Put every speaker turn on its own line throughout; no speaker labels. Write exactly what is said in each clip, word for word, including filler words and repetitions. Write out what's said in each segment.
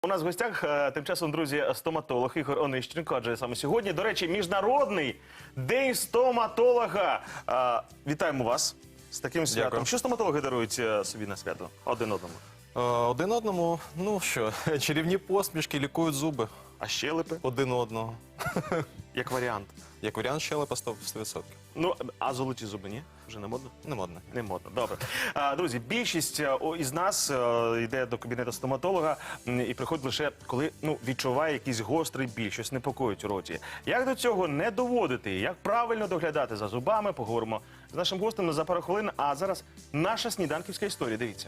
У нас в гостях е, тим часом, друзі, стоматолог Ігор Онищенко, адже саме сьогодні, до речі, Міжнародний день стоматолога. Е, Вітаємо вас з таким святом.
Дякую.
Що стоматологи дарують е, собі на свято? Один одному.
Е, Один одному, ну що, чарівні посмішки, лікують зуби
А щелепи?
один одного.
Як варіант.
Як варіант, щелепа сто відсотків.
Ну, а золоті зуби, ні? Вже не модно?
Не модно.
Не модно, добре. А, друзі, більшість е, о, із нас е, йде до кабінету стоматолога м, і приходить лише, коли ну, відчуває якийсь гострий біль, щось непокоїть у роті. Як до цього не доводити, як правильно доглядати за зубами, поговоримо з нашим гостем за пару хвилин. А зараз наша сніданківська історія, дивіться.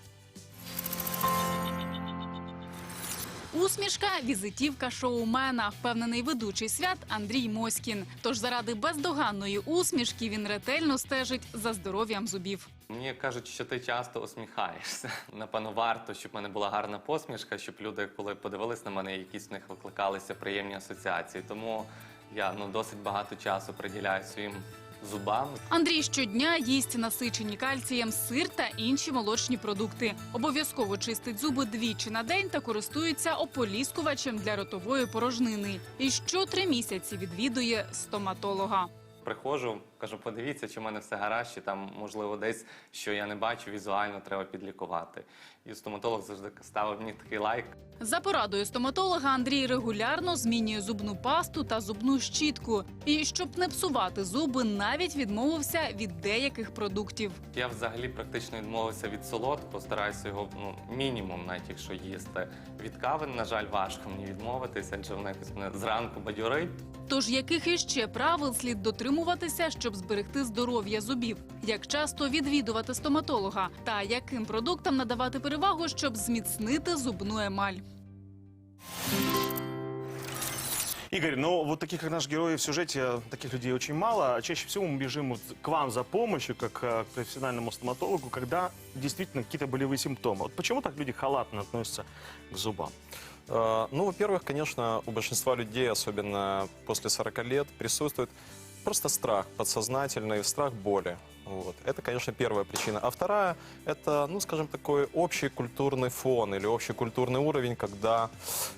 Усмішка – візитівка шоумена, впевнений ведучий свят Андрій Моськін. Тож заради бездоганної усмішки він ретельно стежить за здоров'ям зубів.
Мені кажуть, що ти часто усміхаєшся. Напевно, варто, щоб в мене була гарна посмішка, щоб люди, коли подивились на мене, якісь в них викликалися приємні асоціації. Тому я ну, досить багато часу приділяю своїм зубам.
Андрій щодня їсть насичені кальцієм сир та інші молочні продукти. Обов'язково чистить зуби двічі на день та користується ополіскувачем для ротової порожнини. І що три місяці відвідує стоматолога.
Приходжу, кажу, подивіться, чи в мене все гаразд, чи там, можливо, десь, що я не бачу, візуально треба підлікувати. І стоматолог завжди ставив мені такий лайк.
За порадою стоматолога Андрій регулярно змінює зубну пасту та зубну щітку. І щоб не псувати зуби, навіть відмовився від деяких продуктів.
Я взагалі практично відмовився від солодкого, стараюся його ну, мінімум, навіть якщо їсти. Від кави, на жаль, важко мені відмовитися, адже вона якось мене зранку бадьорить.
Тож яких іще правил слід дотримуватися, щоб зберегти здоров'я зубів? Як часто відвідувати стоматолога? Та яким продуктам надавати перевагу, щоб зміцнити зубну емаль?
Игорь, ну вот таких, как наш герой в сюжете, таких людей очень мало. Чаще всего мы бежим вот к вам за помощью, как э, к профессиональному стоматологу, когда действительно какие-то болевые симптомы. Вот почему так люди халатно относятся к зубам?
Э, Ну, во-первых, конечно, у большинства людей, особенно после сорока лет, присутствует просто страх подсознательный, страх боли. Вот. Это, конечно, первая причина. А вторая – это, ну, скажем, такой общий культурный фон или общий культурный уровень, когда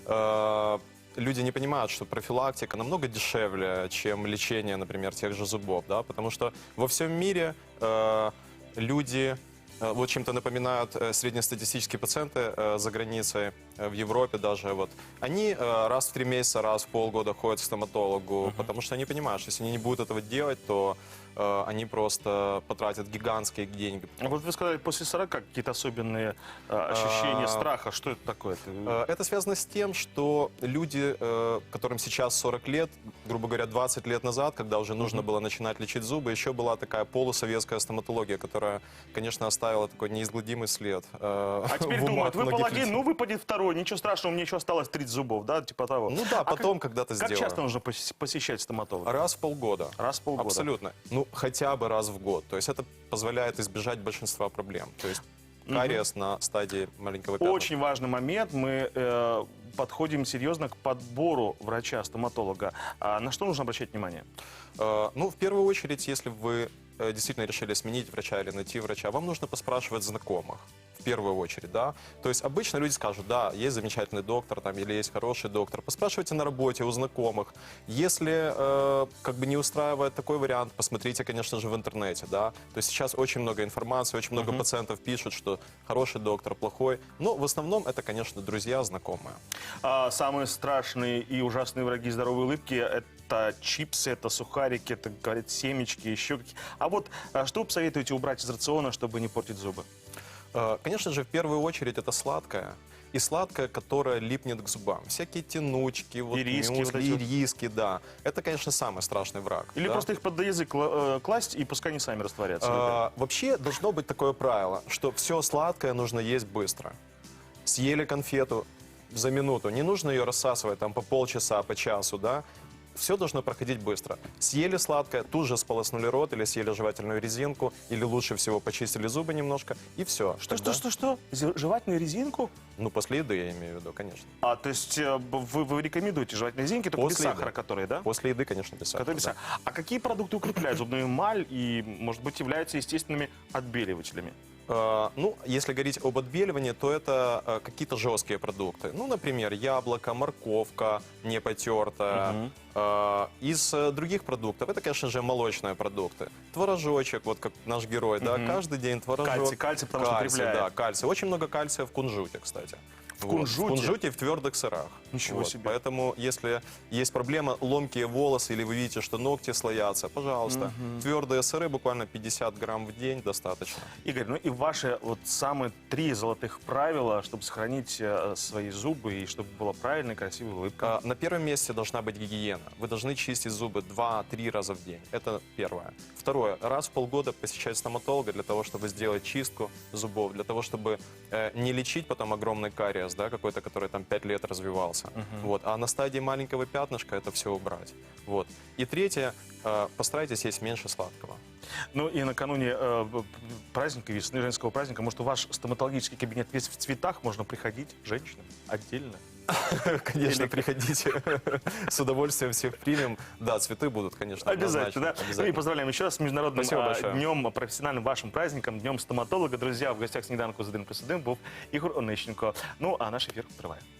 э, люди не понимают, что профилактика намного дешевле, чем лечение, например, тех же зубов, да, потому что во всем мире э, люди э, вот чем-то напоминают э, среднестатистические пациенты э, за границей, э, в Европе даже, вот, они э, раз в три месяца, раз в полгода ходят к стоматологу, uh-huh. потому что они понимают, что если они не будут этого делать, то э, они просто потратят гигантские деньги.
А вот вы сказали, после сорока какие-то особенные э, ощущения
А,
страха. Что это такое?
Э, Это связано с тем, что люди, э, которым сейчас сорок лет, грубо говоря, двадцать лет назад, когда уже нужно было начинать лечить зубы, еще была такая полусоветская стоматология, которая, конечно, оставила такой неизгладимый след. э,
А теперь
в умах
думают, выпал
многих
один,
людей.
ну выпадет второй, ничего страшного, мне еще осталось тридцать зубов, да, типа того.
Ну да,
А
потом
как,
когда-то
как
сделаю.
часто нужно пос- посещать стоматолога?
Раз в полгода.
Раз в полгода.
Абсолютно. Ну, хотя бы раз в год. То есть это позволяет избежать большинства проблем. То есть кариес на стадии маленького пятна.
Очень важный момент. Мы э, подходим серьезно к подбору врача-стоматолога. А на что нужно обращать внимание?
Э, Ну, в первую очередь, если вы э, действительно решили сменить врача или найти врача, вам нужно поспрашивать знакомых. В первую очередь, да. То есть обычно люди скажут, да, есть замечательный доктор там, или есть хороший доктор. Поспрашивайте на работе у знакомых. Если э, как бы не устраивает такой вариант, посмотрите, конечно же, в интернете, да. То есть сейчас очень много информации, очень много пациентов пишут, что хороший доктор, плохой. Но в основном это, конечно, друзья, знакомые.
А, самые страшные и ужасные враги здоровой улыбки – это чипсы, это сухарики, это, говорят, семечки, еще какие. А вот а что вы посоветуете убрать из рациона, чтобы не портить зубы?
Э, Конечно же, в первую очередь это сладкое. И сладкое, которое липнет к зубам. Всякие тянучки, вот,
Ириски,
мюсли,
вот эти вот.
ириски, да. Это, конечно, самый страшный враг.
Или
да.
просто их под язык кла- э, класть, и пускай они сами растворятся?
А, Вообще должно быть такое правило, что все сладкое нужно есть быстро. Съели конфету за минуту, не нужно ее рассасывать там по полчаса, по часу, да. Все должно проходить быстро. Съели сладкое, тут же сполоснули рот или съели жевательную резинку, или лучше всего почистили зубы немножко, и все.
Что, что, что, что? Зе- Жевательную резинку?
Ну, после еды я имею в виду, конечно.
А, то есть э, вы, вы рекомендуете жевательные резинки, только без
После еды.
сахара, которые, да?
После еды, конечно, без сахара.
Которые без
да.
сахара. А какие продукты укрепляют зубную эмаль и, может быть, являются естественными отбеливателями?
Э, Ну, если говорить об отбеливании, то это э, какие-то жесткие продукты. Ну, например, яблоко, морковка не потертая. Э, Из э, других продуктов, это, конечно же, молочные продукты. Творожочек, вот как наш герой, да, каждый день творожок.
Кальций, кальций, потому что
Кальций,
укрепляет.
да, кальций. Очень много кальция в кунжуте, кстати.
В
Вот.
кунжуте?
В кунжуте и в твердых сырах.
Ничего себе.
Поэтому, если есть проблема, ломкие волосы, или вы видите, что ногти слоятся, пожалуйста. Твердые сыры, буквально пятьдесят грамм в день достаточно.
Игорь, ну и ваши вот самые три золотых правила, чтобы сохранить э, свои зубы и чтобы была правильная, красивая улыбка.
А, На первом месте должна быть гигиена. Вы должны чистить зубы два-три раза в день. Это первое. Второе. Раз в полгода посещать стоматолога для того, чтобы сделать чистку зубов, для того, чтобы э, не лечить потом огромный кариес, да, какой-то, который там пять лет развивался. Вот. А на стадии маленького пятнышка это все убрать. Вот. И третье. э, Постарайтесь есть меньше сладкого.
Ну и накануне э, б- праздника, весны, женского праздника, может, у ваш стоматологический кабинет весь в цветах, можно приходить женщинам отдельно?
Конечно,
Или-
приходите. С удовольствием всех примем. Да, цветы будут, конечно,
Обязательно, да?
однозначно.
Ну и поздравляем еще раз с Международным
Спасибо
а,
большое.
днем, профессиональным вашим праздником, Днем стоматолога. Друзья, в гостях сніданку з один плюс один був Ігор Онищенко. Ну а наш ефір триває.